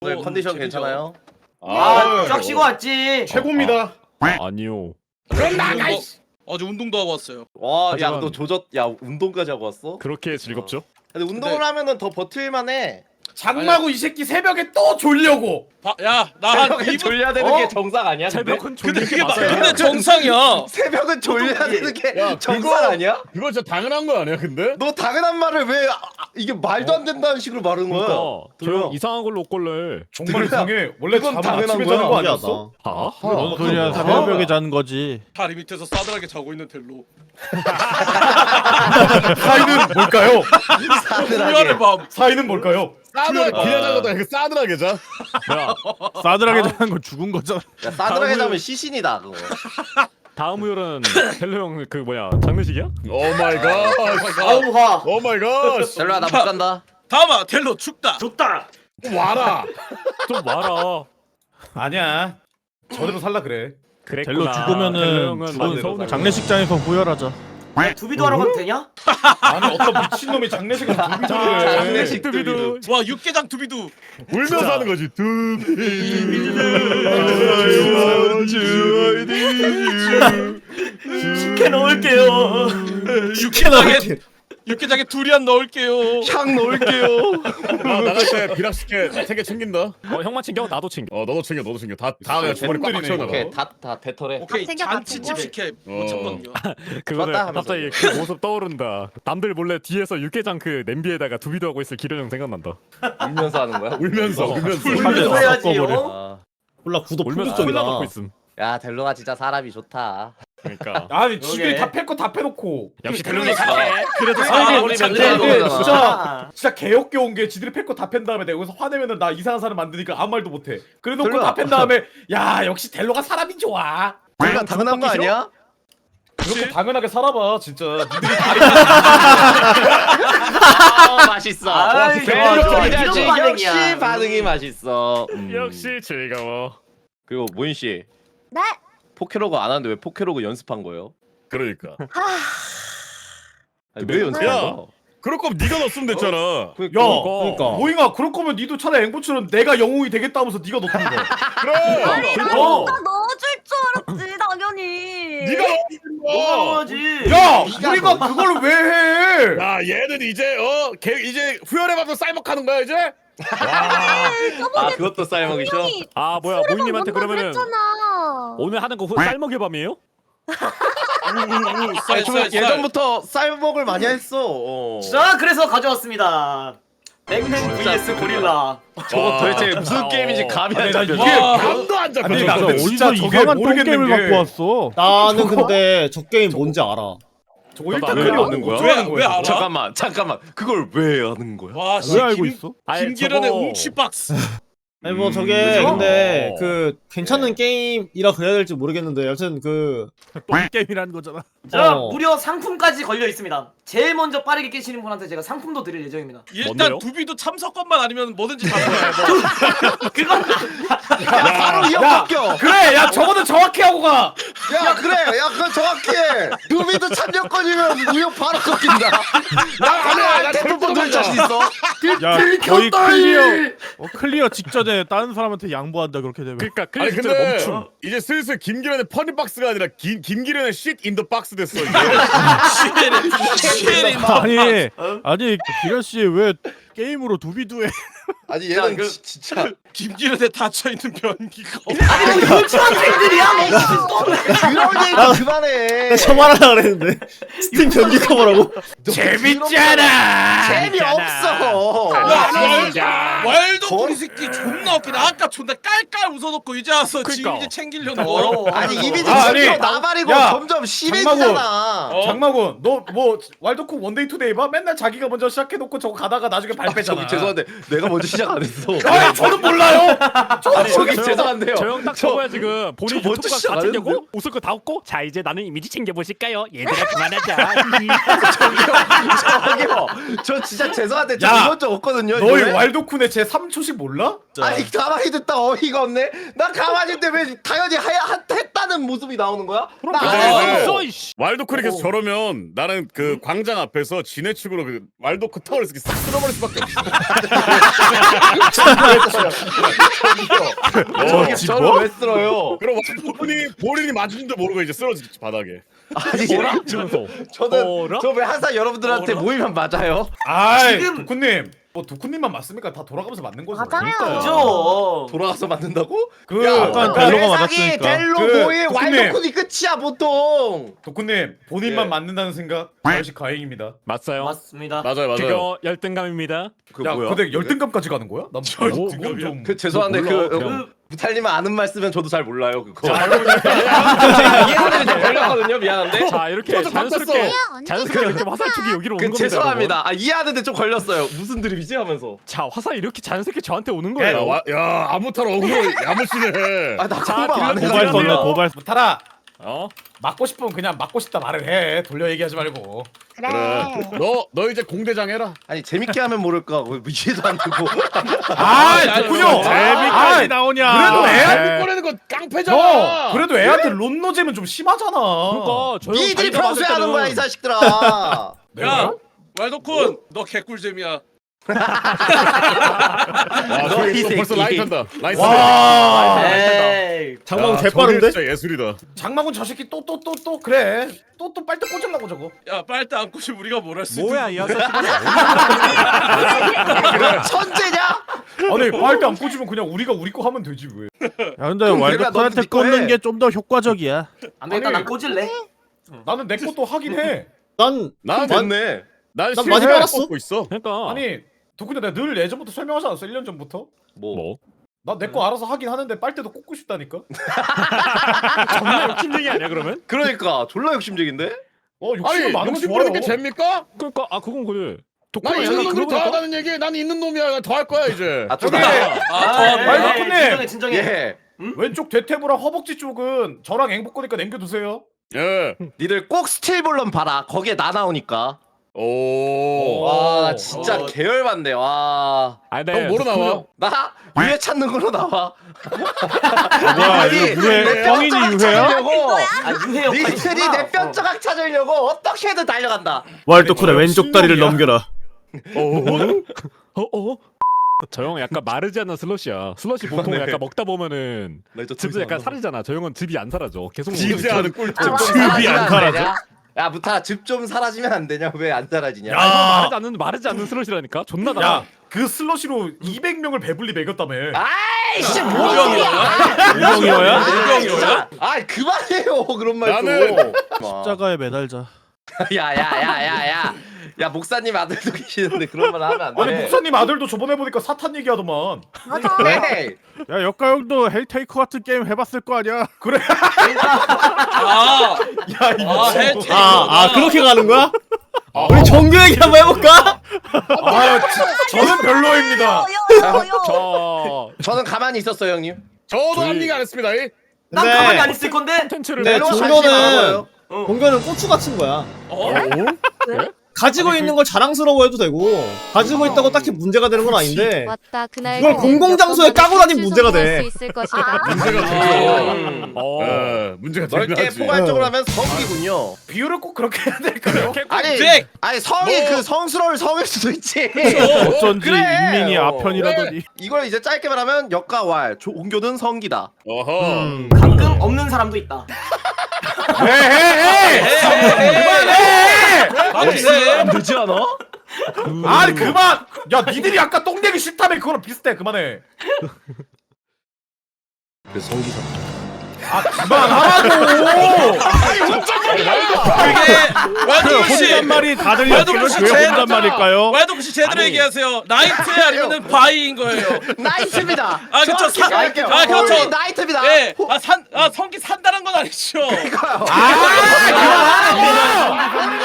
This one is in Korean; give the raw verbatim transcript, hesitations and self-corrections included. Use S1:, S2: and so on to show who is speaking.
S1: 오늘 컨디션 괜찮아요?
S2: 아, 쫙 쉬고 왔지.
S3: 최고입니다.
S4: 아니요.
S3: 그럼 나가.
S5: 어제 운동도 하고 왔어요.
S1: 와, 야,
S4: 하지만-
S1: 너 조졌, 야, 운동까지 하고 왔어?
S4: 그렇게 즐겁죠?
S1: 근데 운동을
S5: 근데-
S1: 하면은 더 버틸만해.
S3: 장마고 이 새끼 새벽에 또 졸려고.
S5: 야, 나 한
S1: 새벽에
S5: 이 분.
S1: 졸려야 되는
S3: 어?
S1: 게 정상 아니야? 근데?
S4: 새벽은
S5: 근데
S4: 졸리는
S5: 그게
S4: 게
S5: 마,
S4: 맞아요.
S5: 근데 정상이야.
S1: 새벽은 졸려야 되는 게
S6: 야,
S1: 정상
S6: 그거-
S1: 아니야?
S6: 그거 진짜 당연한 거 아니야, 근데?
S1: 너 당연한 말을 왜 아, 아, 이게 말도 안 된다는 식으로 말하는 거야?
S4: 그러니까
S1: 들어요.
S4: 저 이상한 걸로 꼴래.
S3: 정말 이상해. 원래
S1: 그건
S3: 잠은
S1: 당연한
S3: 아침에
S1: 거야.
S3: 자는 거 아니었어?
S4: 아?
S7: 뭔 소리야? 새벽에 자는 거지.
S5: 다리 밑에서 싸늘하게 자고 있는 델로.
S3: 사이는 뭘까요?
S1: 싸늘하게.
S5: 후회의 밤.
S3: 사이는 뭘까요?
S6: 싸늘하게
S4: 아.
S6: 그냥 자는 것도 싸늘하게 자.
S4: 뭐야?
S7: 싸늘하게 자는 건 죽은 거잖아.
S1: 야, 싸늘하게
S4: 다음을-
S1: 자면 시신이다 그거.
S4: 다음 우열은 텔로 형 그 뭐야 장례식이야?
S6: 오 마이 갓.
S2: 아우 화.
S6: 오 마이 갓.
S1: 델로야 나 못 간다.
S5: 다음아 델로 죽다.
S2: 좋다.
S6: 와라.
S4: 좀 와라.
S3: 아니야. 저대로 살라 그래.
S4: 그랬구나.
S7: 델로
S4: 텔로
S7: 죽으면은
S4: 형은
S3: 죽은
S4: 많이 서운해.
S7: 장례식장에서 후열하자.
S2: 두비도 하러 가면 되냐?
S3: 아니 어떤 미친놈이 장례식을 두비를 해.
S1: 장례식
S4: 두비도
S5: 와 육개장 두비두.
S6: 울면서 하는 거지.
S2: 식혜 넣을게요.
S5: 육개장에 육개장에 두리안 넣을게요.
S1: 향 넣을게요.
S6: 나 나갈 때 비락식혜 세 개 챙긴다.
S4: 어 형만 챙겨 나도 챙겨.
S6: 어 너도 챙겨, 너도 챙겨. 다다 그냥 주머니 꽉꽉 채워놔.
S1: 오케이 다다 대터래.
S5: 오케이
S8: 챙겨, 다
S5: 잔치집
S8: 챙겨.
S5: 식혜
S6: 어.
S5: 못 참거든요.
S4: 그거는
S1: 좋았다 하면서.
S4: 갑자기 그 모습 떠오른다. 남들 몰래 뒤에서 육개장 그 냄비에다가 두비도 하고 있을 기련형 생각난다.
S1: 울면서 하는 거야?
S6: 울면서
S4: 어.
S6: 울면서.
S2: 울면서 해야지요.
S1: 아.
S7: 몰라 구도
S4: 울면서
S7: 풍부적이다.
S4: 콜라 먹고 있음.
S1: 야 델로가 진짜 사람이 좋다.
S4: 그러니까
S3: 아니 지들이
S2: 그러게.
S3: 다 팰 거 다 패놓고.
S4: 역시 텔로 형 착해.
S5: 그래도
S1: 아,
S5: 사람이
S1: 우리
S5: 장례.
S1: 멘트하는
S3: 근데
S1: 거잖아.
S3: 진짜 진짜 개역겨운 게 지들이 팰 거 다 팬 다음에 내가 여기서 화내면은 나 이상한 사람 만드니까 아무 말도 못해. 그래놓고
S1: 델로야.
S3: 다 팬 다음에 야 역시 델로가 사람이 좋아.
S1: 델로가 당연한 거 아니야?
S3: 그렇게 당연하게 살아봐 진짜. 니들이
S1: 아 맛있어.
S2: 아이,
S1: 델로
S2: 좋아, 좋아.
S1: 해야지.
S2: 이런
S1: 역시
S2: 반응이야.
S1: 반응이 맛있어. 음.
S4: 역시 즐거워.
S1: 그리고 모인 씨
S8: 네.
S1: 포케로그 안 하는데 왜 포케로그 연습한 거예요?
S6: 그러니까.
S1: 아니, 왜 연습한
S6: 야.
S1: 거야?
S6: 그럴 거면 네가 넣었으면 됐잖아.
S3: 야
S7: 그러니까.
S3: 모잉아 그럴 거면 니도 차라리 앵보처럼 내가 영웅이 되겠다면서 니가 넣던 거.
S6: 그래.
S3: 어.
S8: 나 넣어줄 줄 알았지 당연히.
S6: 네가 넣었어.
S2: 넣어야지.
S3: 야
S1: 네가
S3: 우리가
S1: 너-
S3: 그걸 왜 해?
S6: 야 얘는 이제 어 걔 이제 후열의 밥도 쌀먹하는 거야 이제?
S1: 아 그것도 쌀먹이죠?
S8: 분명히
S4: 아 뭐야 모잉님한테
S8: 뭔가
S4: 그러면은
S8: 그랬잖아.
S4: 오늘 하는 거 후- 쌀먹이 밤이에요?
S1: 아니 저 예전부터 쌀먹을 많이 했어. 어.
S2: 자 그래서 가져왔습니다. 맥맨 vs 고릴라.
S1: 저거 도대체 무슨
S4: 어.
S1: 게임인지 감이 안
S3: 아니, 나
S1: 잡혀.
S3: 이게
S5: 와.
S6: 감도 안 잡혀.
S3: 아니, 나
S6: 저거.
S3: 근데 진짜
S7: 어디서
S3: 저게
S7: 이상한
S3: 모르겠는
S7: 똥게임을
S3: 게-
S7: 갖고 왔어? 나는 근데 저 게임 뭔지 알아.
S3: 저거
S4: 나도
S3: 일단
S4: 왜
S3: 그냥
S1: 하는 거야?
S3: 어쩌라는
S5: 왜-
S3: 거야,
S5: 왜
S3: 저거?
S5: 알아?
S1: 잠깐만 잠깐만 그걸 왜 하는 거야?
S5: 와 씨.
S7: 왜 알고
S5: 김-
S7: 있어?
S4: 아니,
S5: 김기련의
S4: 저거-
S5: 웅치 박스.
S7: 아니 뭐 저게
S3: 그죠?
S7: 근데
S6: 어.
S7: 그 괜찮은 게임이라 그래야 될지 모르겠는데 여튼 그 게임이라는 거잖아.
S2: 자
S7: 어.
S2: 무려 상품까지 걸려 있습니다. 제일 먼저 빠르게 깨시는 분한테 제가 상품도 드릴 예정입니다.
S5: 일단
S4: 뭔데요?
S5: 두비도 참석권만 아니면 뭐든지 다 좋아요.
S2: 그건
S1: 야 바로 이어 바뀌어.
S3: 그래 야 저거는 정확히 하고 가.
S1: 야 그래 야 그건 정확해. 누비도 참여권이면 무효 바로 꺾인다. 나 그래 나 대부분 될 자신 있어.
S7: 야 거의 클리어 어, 클리어 직전에 다른 사람한테 양보한다 그렇게 되면.
S4: 그러니까
S6: 아니
S4: 그게
S6: 근데
S4: 멈춤.
S6: 이제 슬슬 김기련의 퍼니 박스가 아니라 김 김기련의 쉿 인더 박스 됐어 이제.
S5: 시엘이
S7: 아니 아니 기련 씨왜 게임으로 두비두해?
S1: 아니 얘는
S2: 그-
S1: 지- 진짜
S5: 김기련에 닫혀 있는 변기가.
S2: 아니 뭐 유치원생들이야 뭐 무슨 또
S1: 그런 얘기 그만해.
S7: 저 말하려 그랬는데 스팀 변기 커버라고?
S3: 재밌잖아.
S1: 재미없어.
S5: 왈도풀 이 새끼 존나 웃기다. 아까 존나 깔깔 웃어놓고 이제 와서 지금
S4: 그러니까.
S5: 이제 챙기려는
S2: 더러워.
S5: 거.
S1: 아니 이미지
S3: 아,
S1: 진짜
S3: 아니,
S1: 나발이고
S3: 야,
S1: 점점 심해지잖아.
S5: 어?
S3: 장마군 너 뭐 왈도쿡 원데이 투데이 봐? 맨날 자기가 먼저 시작해놓고 저거 가다가 나중에 발 빼잖아.
S1: 저기 죄송한데 내가 먼저 시작 안 했어.
S3: 아니 저는 몰라요.
S1: 아니 저기 죄송한데요.
S4: 저형 딱
S1: 저-
S4: 저거야 지금 본인
S1: 저 먼저
S4: 유튜브가
S1: 시작
S4: 다
S1: 안
S4: 챙겨고
S1: 했는데?
S4: 웃을 거 다 웃고 자 이제 나는 이미지 챙겨보실까요? 얘들아 그만하자.
S1: 저기요. 저 진짜 죄송한데 저
S3: 야,
S1: 이번 주 없거든요.
S3: 너희
S1: 이번에?
S3: 왈도쿤의 제 삼 초씩 몰라?
S1: 아니 가만히 듣다 어이가 없네. 나 가만히 있는데 왜 당연히 하야 한- 했다는 모습이 나오는 거야? 나
S6: 근데
S1: 안
S6: 이제-
S1: 했어.
S4: 없어 이씨.
S6: 왈도크를 계속 저러면 나는 그 광장 앞에서 지네 축으로 그 왈도크 타워를 이렇게 싹 쓸어버릴 수밖에
S1: 수밖에 없어.
S6: 어,
S1: 저를 왜 쓸어요?
S6: 그럼 와이프분이 본인이 맞은지도 모르고 이제 쓰러지지 바닥에.
S1: 아니
S4: 뭐라? 이러면서
S1: 저는
S4: 뭐라?
S1: 저 왜 항상 여러분들한테
S5: 뭐라?
S1: 모이면 맞아요?
S3: 아이
S2: 지금-
S3: 도쿠님 뭐 도쿠님만 맞습니까? 다 돌아가면서 맞는 거죠.
S8: 맞아요.
S2: 그죠.
S1: 돌아가서 맞는다고?
S3: 그
S7: 약간
S3: 그러니까
S7: 델로가
S1: 세상이
S7: 맞았으니까.
S1: 델로
S3: 그,
S1: 모의
S3: 도쿠님.
S1: 와일드쿤이 끝이야 보통.
S3: 도쿠님 본인만
S1: 예.
S3: 맞는다는 생각 역시 가행입니다.
S4: 맞아요.
S2: 맞습니다.
S6: 맞아요 맞아요.
S4: 그거 열등감입니다.
S1: 그
S3: 야
S1: 뭐야?
S3: 근데 열등감까지 가는 거야? 난
S6: 열등감이야?
S3: 좀...
S1: 그 죄송한데
S4: 몰라,
S1: 그
S4: 그냥.
S1: 무탈님은 아는 말 쓰면 저도 잘 몰라요 그거.
S4: 자,
S1: 이해가 좀 걸렸거든요. 미안한데.
S4: 자 이렇게
S6: 저도
S4: 자연스럽게
S6: 바꿨어.
S4: 자연스럽게 이렇게 화살촉이 여기로
S1: 그
S4: 오는 겁니다. 여러분.
S1: 죄송합니다. 아 이해하는데 좀 걸렸어요. 무슨 드립이지 하면서.
S4: 자 화살 이렇게 자연스럽게 저한테 오는
S6: 야,
S4: 거예요.
S6: 와, 야 아무탈 어그로 야무치네.
S1: 아나
S4: 자,
S1: 공방 안
S4: 딜러
S1: 해서.
S7: 고발
S4: 딜러
S7: 썼네
S4: 딜러.
S7: 고발.
S3: 무타라
S4: 어?
S3: 맞고 싶으면 그냥 맞고 싶다 말을 해. 돌려 얘기하지 말고.
S8: 그래.
S6: 그래. 너 너 이제 공대장 해라.
S1: 아니 재밌게 하면 모를까. 뭐 이해도 안 되고.
S3: 아
S5: 아니,
S3: 도쿠요.
S5: 아니,
S7: 재미까지 나오냐?
S3: 그래도 애
S6: 애 꺼내는 거 깡패잖아.
S3: 형 그래도 애한테 론노잼은 좀 심하잖아.
S4: 그러니까 저 형
S1: 니들이
S4: 자기가
S1: 평소에
S4: 봤을
S1: 하는
S4: 때는
S1: 거야 이 자식들아.
S5: 야 왈도쿤 너 개꿀잼이야.
S6: 와,
S1: 너
S6: 저기
S1: 이
S6: 또 벌써
S1: 새끼.
S6: 라인 탄다. 라인
S3: 와.
S2: 에이.
S6: 장망 개빠른데? 진짜 예술이다.
S3: 장마군 저 새끼 또 또 또 또 그래. 또 또 빨대 꽂으려고 저거.
S5: 야 빨대 안 꽂으면 우리가 뭘 할 수 있는
S4: 뭐야 이 아저씨.
S1: 천재냐?
S3: 아니 빨대 안 꽂으면 그냥 우리가 우리 거 하면 되지 왜?
S7: 야 근데
S1: 그럼
S7: 왈도쿤한테
S1: 내가 너도 네
S7: 꽂는
S1: 해.
S7: 게 좀 더 효과적이야.
S2: 안 되겠다.
S3: 아니.
S2: 난 꽂을래.
S3: 나는 내 것도 하긴 해.
S9: 난
S6: 난
S1: 됐네.
S6: 난
S9: 난 많이
S6: 실패
S9: 빨았어.
S6: 꽂고 있어.
S4: 그러니까
S3: 아니 도쿠님 내가 늘 예전부터 설명하지 않았어? 일 년 전부터?
S1: 뭐?
S4: 뭐
S3: 나 내 거 알아서 하긴 하는데 빨대도 꽂고 싶다니까?
S4: 정말 욕심쟁이 아니야 그러면?
S1: 그러니까 졸라 욕심쟁인데?
S3: 어
S6: 아니
S3: 욕심은 많은 거
S6: 욕심
S3: 좋아요.
S6: 부리는 게 죄입니까?
S4: 그러니까 아 그건 그래.
S6: 난
S4: 독하면
S6: 있는
S4: 약간
S6: 놈이
S4: 그런
S6: 더
S4: 거니까?
S6: 하다는 얘기. 난 있는 놈이야. 더 할 거야 이제.
S1: 아
S3: 저기
S1: 저기
S5: 아,
S2: 에이,
S3: 왈도쿤님.
S2: 진정해 진정해.
S1: 예.
S3: 왼쪽 대퇴부랑 허벅지 쪽은 저랑 앵복 거니까 남겨두세요.
S6: 예.
S1: 니들 꼭 스틸볼런 봐라. 거기에 나 나오니까.
S6: 오.
S1: 와 진짜
S5: 어.
S1: 계열반대. 와.
S4: 아니 네.
S6: 형 뭐로 나와?
S1: 나 유해 찾는 걸로 나와.
S7: 뭐야
S1: 아니,
S7: 이거 유해
S1: 내
S7: 성인이
S1: 뼈조각
S7: 유해야?
S1: 찾으려고.
S2: 아 유해 역할이
S1: 니들이
S2: 있구나.
S1: 내 뼈조각 찾으려고 어떻게든 달려간다.
S9: 왈도쿤의 왼쪽 다리를 넘겨라.
S4: 어 어? 저 형 약간 마르지 않는 슬러시야. 슬러시 보통
S1: 그만해.
S4: 약간 먹다 보면은
S1: 나 이제
S4: 즙이 약간 사라지잖아. 저 형은 즙이 안 사라져. 계속
S6: 지지하는 꿀팁.
S1: 좀
S3: 즙이
S1: 사라지면
S3: 안
S1: 안
S3: 사라져?
S1: 되냐? 야 무타 즙 좀 사라지면 안 되냐? 왜 안 사라지냐?
S3: 야.
S4: 마르지 않는 마르지 않는 슬러시라니까. 존나 나.
S3: 야 그 슬러시로 이백 명을 배불리 먹였다며.
S1: 아이씨 뭔
S5: 우병이야?
S1: 소리야?
S7: 우병이어야?
S5: 우병이어야?
S1: 아 그만해요 그런 말 좀.
S6: 나는-
S7: 십자가에 매달자.
S1: 야야야야야. 야 목사님 아들도 계시는데 그런 말 하면 안 돼.
S3: 아니 목사님 아들도 저번에 보니까 사탄 얘기하더만.
S8: 맞아.
S1: 네.
S7: 야 역가 형도 헬테이커 같은 게임 해봤을 거 아니야?
S3: 그래.
S5: 아,
S3: 야 이
S5: 아,
S3: 미친.
S5: 헬테이커.
S9: 아, 아 그렇게 가는 거야? 우리 정규 얘기 한번 해볼까?
S3: 아 지- 저는 별로입니다.
S8: 요요요.
S4: 저
S1: 저는 가만히 있었어요 형님.
S6: 저도
S4: 저희-
S6: 한 얘기 안 했습니다. 이.
S2: 난
S9: 네.
S2: 가만히 안 있을 건데.
S4: 콘텐츠를
S9: 네,
S1: 별로 관심 안
S9: 종교는
S1: 가고요.
S9: 종교는 고추 같은 거야.
S5: 어?
S9: 가지고 있는 걸 자랑스러워해도 되고 가지고 있다고 딱히 문제가 되는 건 아닌데
S10: 맞다. 그날
S9: 이걸 공공장소에 까고 다니면 문제가 돼.
S10: 수 있을 것이다.
S6: 문제가 되죠.
S1: 음.
S4: 어.
S6: 예, 문제가 되긴
S1: 넓게
S6: 하지.
S1: 포괄적으로 하면 성이군요.
S3: 비유를 꼭 그렇게 해야 될까요?
S1: 아니
S5: 잭!
S1: 아니 성이
S6: 뭐-
S1: 그 성스러울 성일 수도 있지.
S7: 어쩐지
S1: 그래.
S7: 인민이
S1: 어.
S7: 아편이라더니.
S1: 이걸 이제 짧게 말하면 역가왈 종교는 성기다.
S6: 어허.
S9: 음.
S2: 가끔 없는 사람도 있다.
S3: 에헤헤.
S5: 아, 그래.
S1: 되지 않아?
S3: 아니 그만. 야 니들이 아까 똥 내기 싫다며 그거랑 비슷해. 그만해.
S1: 그래서 성기사.
S3: 아 그만하라고.
S5: 이게
S7: 그
S5: 왈도쿤 씨,
S7: 혼잣말이 다들
S5: 왈도쿤
S7: 이렇게
S5: 씨
S7: 왜
S5: 제대로
S7: 혼잣말일까요?
S5: 왈도쿤 씨 제대로
S1: 아니.
S5: 얘기하세요. 나이트 아니면은 바이인 거예요.
S1: 나이트입니다.
S5: 아, 그쵸.
S1: 정확히
S5: 사-
S1: 갈게요.
S5: 아, 그렇죠.
S1: 홀리 나이트입니다.
S5: 예, 아, 산, 아, 성기 산다는 건 아니죠.
S1: 그러니까요.
S3: 아 그만하라고.